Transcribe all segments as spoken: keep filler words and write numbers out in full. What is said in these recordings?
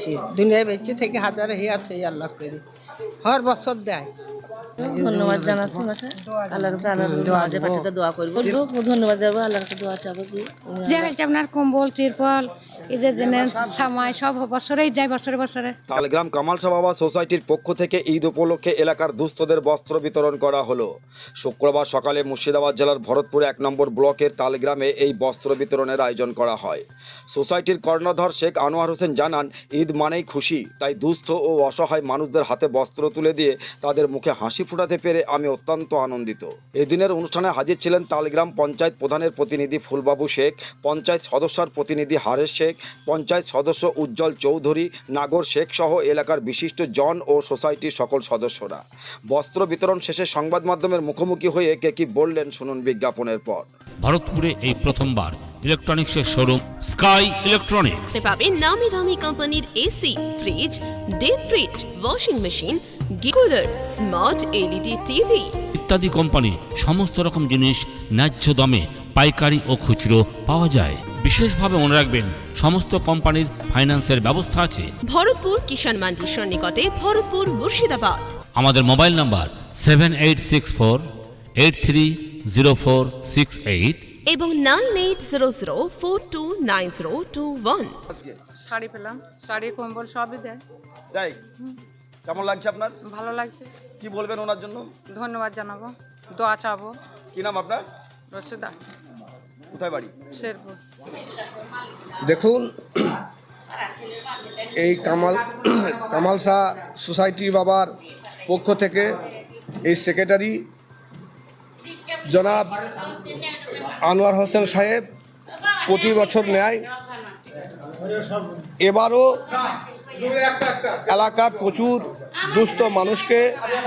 বেচছি দুনিয়ায় বেচছি থেকে হাজারে হিয়ার থেকে আল্লাহ করি হর বছর দেয়। ধন্যবাদ জানাচ্ছি মাকে আল্লাহর কাছে আল্লাহর পাঠিয়ে দোয়া করবো ধন্যবাদ যাবো আল্লাহর কাছে দোয়া চাবো যে আপনার কম্বল তিরপল ঈদের দিনে সামাই সব বছরেই দেয় বছরে বছরে। তালগ্রাম কামাল শাহ বাবা সোসাইটির পক্ষ থেকে ঈদ উপলক্ষে এলাকার দুস্থদের বস্ত্র বিতরণ করা হলো। শুক্রবার সকালে মুর্শিদাবাদ জেলার ভরতপুর এক নম্বর ব্লকের তালগ্রামে এই বস্ত্র বিতরণের আয়োজন করা হয়। সোসাইটির কর্ণধার শেখ আনোয়ার হোসেন জানান, ঈদ মানেই খুশি, তাই দুস্থ ও অসহায় মানুষদের হাতে বস্ত্র তুলে দিয়ে তাদের মুখে হাসি ফুটাতে পেরে আমি অত্যন্ত আনন্দিত। এদিনের অনুষ্ঠানে হাজির ছিলেন তালগ্রাম পঞ্চায়েত প্রধানের প্রতিনিধি ফুলবাবু শেখ, পঞ্চায়েত সদস্যর প্রতিনিধি হারেস শেখ, পঞ্চায়েত সদস্য উজ্জ্বল চৌধুরী, নাগর শেখ সহ এলাকার বিশিষ্ট জন ও সোসাইটির সকল সদস্যরা। বস্ত্র বিতরণ শেষে সংবাদ মাধ্যমের মুখোমুখি হয়ে কে কি বললেন শুনুন বিজ্ঞাপনের পর। ভারতপুরে এই প্রথমবার ইলেকট্রনিক্সের শোরুম স্কাই ইলেকট্রনিক্স পাবেন নামি দামি কোম্পানির AC, fridge, deep fridge, washing machine, গিকুলার, স্মার্ট এলইডি টিভি ইত্যাদি কোম্পানি সমস্ত রকম জিনিস ন্যায্য দামে পাইকারি ও খুচরো পাওয়া যায়। বিশেষভাবে মনে রাখবেন, সমস্ত কোম্পানির ফাইন্যান্সের ব্যবস্থা আছে। ভরতপুর কিষাণ মান্ডির সন্নিকটে, ভরতপুর, মুর্শিদাবাদ। আমাদের mobile number seven eight six four eight three zero four six eight এবং nine eight zero zero four two nine zero two one. Sari পেলাম, শাড়ি কম্বল সবই দেয়। তাই কেমন লাগছে আপনার? ভালো লাগছে। কি বলবেন ওনার জন্য? ধন্যবাদ জানাবো, দোয়া চাবো। কি নাম আপনার? রশিদা। কোথায় বাড়ি? শেরপুর। দেখুন, এই কামাল কামাল শাহ সোসাইটি বাবার পক্ষ থেকে এই সেক্রেটারি জনাব আনোয়ার হোসেন সাহেব প্রতি বছর নেয়, এবারও এলাকার প্রচুর দুস্থ মানুষকে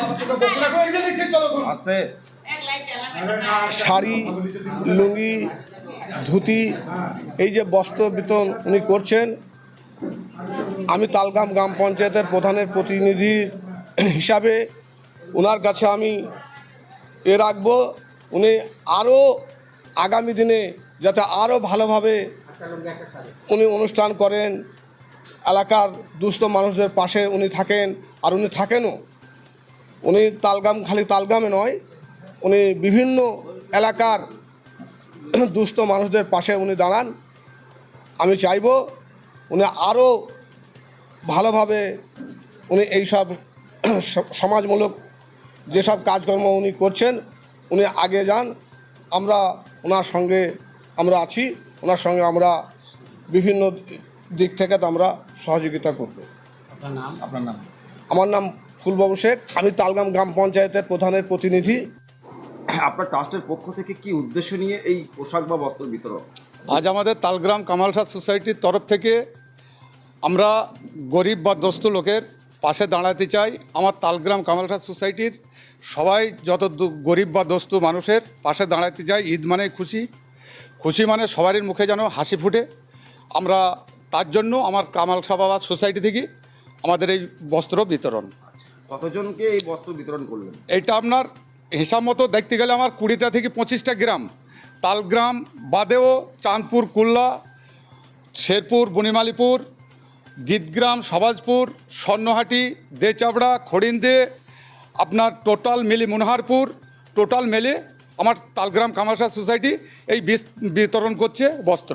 শাড়ি, লুঙ্গি, ধুতি, এই যে বস্ত্র বিতরণ উনি করছেন। আমি তালগ্রাম গ্রাম পঞ্চায়েতের প্রধানের প্রতিনিধি হিসাবে ওনার কাছে আমি এ রাখবো, উনি আরও আগামী দিনে যাতে আরও ভালোভাবে উনি অনুষ্ঠান করেন, এলাকার দুস্থ মানুষদের পাশে উনি থাকেন। আর উনি থাকেনও, উনি তালগ্রাম খালি তালগ্রামে নয়, উনি বিভিন্ন এলাকার দুস্থ মানুষদের পাশে উনি দাঁড়ান। আমি চাইব উনি আরও ভালোভাবে উনি এইসব সমাজমূলক যেসব কাজকর্ম উনি করছেন উনি আগে যান। আমরা ওনার সঙ্গে আমরা আছি, ওনার সঙ্গে আমরা বিভিন্ন দিক থেকে তো আমরা সহযোগিতা করব। আপনার নাম? আপনার নাম? আমার নাম ফুলবাবু শেখ, আমি তালগ্রাম গ্রাম পঞ্চায়েতের প্রধানের প্রতিনিধি। আপনার ট্রাস্টের পক্ষ থেকে কি উদ্দেশ্য নিয়ে এই পোশাক বা বস্ত্র বিতরণ? আজ আমাদের তালগ্রাম কামাল শাহ সোসাইটির তরফ থেকে আমরা গরিব বা দস্ত লোকের পাশে দাঁড়াতে চাই। আমার তালগ্রাম কামাল শাহ সোসাইটির সবাই যত গরিব বা দস্ত মানুষের পাশে দাঁড়াতে চাই। ঈদ মানে খুশি, খুশি মানে সবারই মুখে যেন হাসি ফুটে। আমরা তার জন্য আমার কামাল শাহ বাবা সোসাইটি থেকে আমাদের এই বস্ত্র বিতরণ। কতজনকে এই বস্ত্র বিতরণ করলেন? এইটা আপনার হিসাব মতো দেখতে গেলে আমার কুড়িটা থেকে পঁচিশটা গ্রাম, তালগ্রাম বাদেও চাঁদপুর, কুল্লা, শেরপুর, বনিমালিপুর, গীতগ্রাম, সবাজপুর, স্বর্ণহাটি, দেচাবড়া, খড়িন্দে, আপনার টোটাল মিলি মনোহারপুর, টোটাল মেলে আমার তালগ্রাম কামাল শাহ সোসাইটি এই বিতরণ করছে বস্ত্র।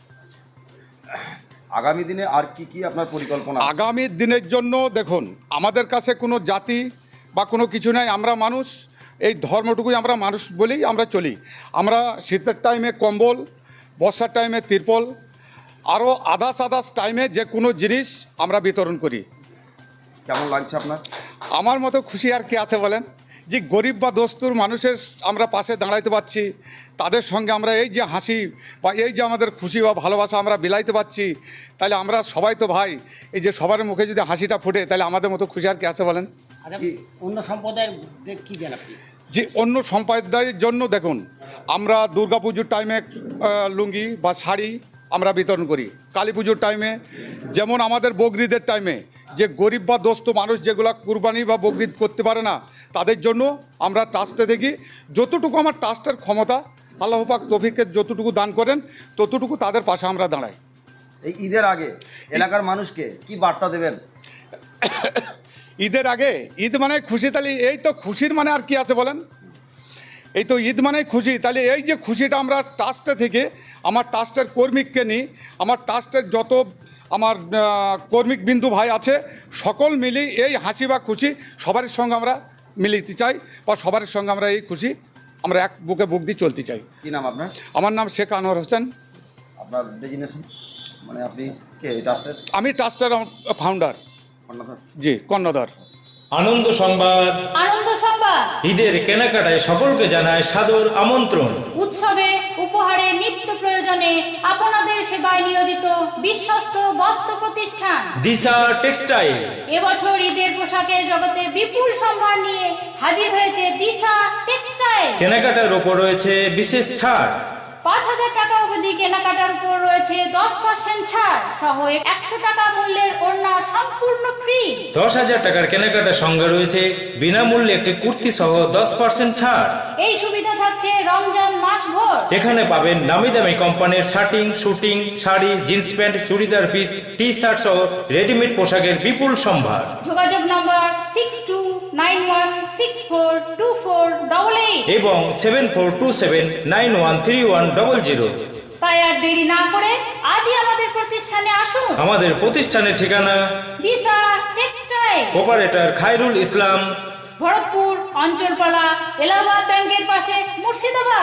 আগামী দিনে আর কি কি আপনার পরিকল্পনা? আগামী দিনের জন্য দেখুন, আমাদের কাছে কোনো জাতি বা কোনো কিছু নাই, আমরা মানুষ, এই ধর্মটুকুই আমরা মানুষ বলেই আমরা চলি। আমরা শীতের টাইমে কম্বল, বর্ষার টাইমে তিরপল, আরও আদার্স আদার্স টাইমে যে কোনো জিনিস আমরা বিতরণ করি। কেমন লাগছে আপনার? আমার মতো খুশি আর কি আছে বলেন, যে গরিব বা দস্তুর মানুষের আমরা পাশে দাঁড়াইতে পারছি, তাদের সঙ্গে আমরা এই যে হাসি বা এই যে আমাদের খুশি বা ভালোবাসা আমরা বিলাইতে পারছি, তাহলে আমরা সবাই তো ভাই। এই যে সবার মুখে যদি হাসিটা ফুটে, তাহলে আমাদের মতো খুশি আর কি আছে বলেন। অন্য সম্প্রদায়ের কি দেন আপনি? যে অন্য সম্প্রদায়ের জন্য দেখুন, আমরা দুর্গাপুজোর টাইমে লুঙ্গি বা শাড়ি আমরা বিতরণ করি। কালী পুজোর টাইমে, যেমন আমাদের বকরিদের টাইমে যে গরিব বা দস্ত মানুষ যেগুলা কুরবানি বা বকরিদ করতে পারে না, তাদের জন্য আমরা ট্রাস্টে দেখি যতটুকু আমার ট্রাস্টের ক্ষমতা, আল্লাহ পাক তৌফিকের যতটুকু দান করেন ততটুকু তাদের পাশে আমরা দাঁড়াই। এই ঈদের আগে এলাকার মানুষকে কি বার্তা দেবেন? ঈদের আগে ঈদ মানে খুশি, তাহলে এই তো খুশির মানে আর কি আছে বলেন? এই তো ঈদ মানে খুশি, তাহলে এই যে খুশিটা আমরা ট্রাস্টে থেকে আমার ট্রাস্টের কর্মীকে নিই, আমার ট্রাস্টের যত আমার কর্মিক বিন্দু ভাই আছে সকল মিলি এই হাসি বা খুশি সবার সঙ্গে আমরা মিলিতে চাই, বা সবার সঙ্গে আমরা এই খুশি আমরা এক বুকে বুক দিয়ে চলতে চাই। কি নাম আপনার? আমার নাম শেখ আনোয়ার হোসেন। আপনার ডেজিনেশন মানে আপনি কে ট্রাস্টের? আমি ট্রাস্টের ফাউন্ডার। কর্ণধার? জি, কর্ণধার। আনন্দ সংবাদ, আনন্দ সংবাদ ঈদের কেনাকাটায় সকলকে জানায় সাদর আমন্ত্রণ। উৎসবে উপহারে নিত্য প্রয়োজনে আপনাদের সেবায় নিয়োজিত বিশ্বস্ত বস্ত্র প্রতিষ্ঠান দিশা টেক্সটাইল এবছর ঈদের পোশাকের জগতে বিপুল সম্ভার নিয়ে হাজির হয়েছে দিশা টেক্সটাইল। কেনাকাটার ওপর রয়েছে বিশেষ ছাড়। পাঁচ হাজার টাকা অবধি কেনাকাটার উপর রয়েছে দশ পার্সেন্ট ছাড় সহ একশো টাকা মূল্যের ওড়না সম্পূর্ণ ফ্রি। দশ হাজার টাকার কেনাকাটার সঙ্গে রয়েছে বিনামূল্যে একটি কুর্তি সহ দশ পার্সেন্ট ছাড়। এই সুবিধা থাকছে রমজান মাস ভর। এখানে পাবেন নামি দামি কোম্পানির shirting, suiting, sari, jeans pant, churidar piece, T shirt সহ রেডিমেড পোশাকের বিপুল সম্ভার। যোগাযোগ number six two nine one six four two four double eight এবং seven four two seven nine one three one double zero. তাই আর দেরি না করে আজই আমাদের প্রতিষ্ঠানে আসুন। আমাদের প্রতিষ্ঠানের ঠিকানা দিশা টেক্সটাইল, অপারেটর খায়রুল ইসলাম, ভরতপুর অঞ্চলপালা, এলাহাবাদ ব্যাংকের পাশে, মুর্শিদাবাদ।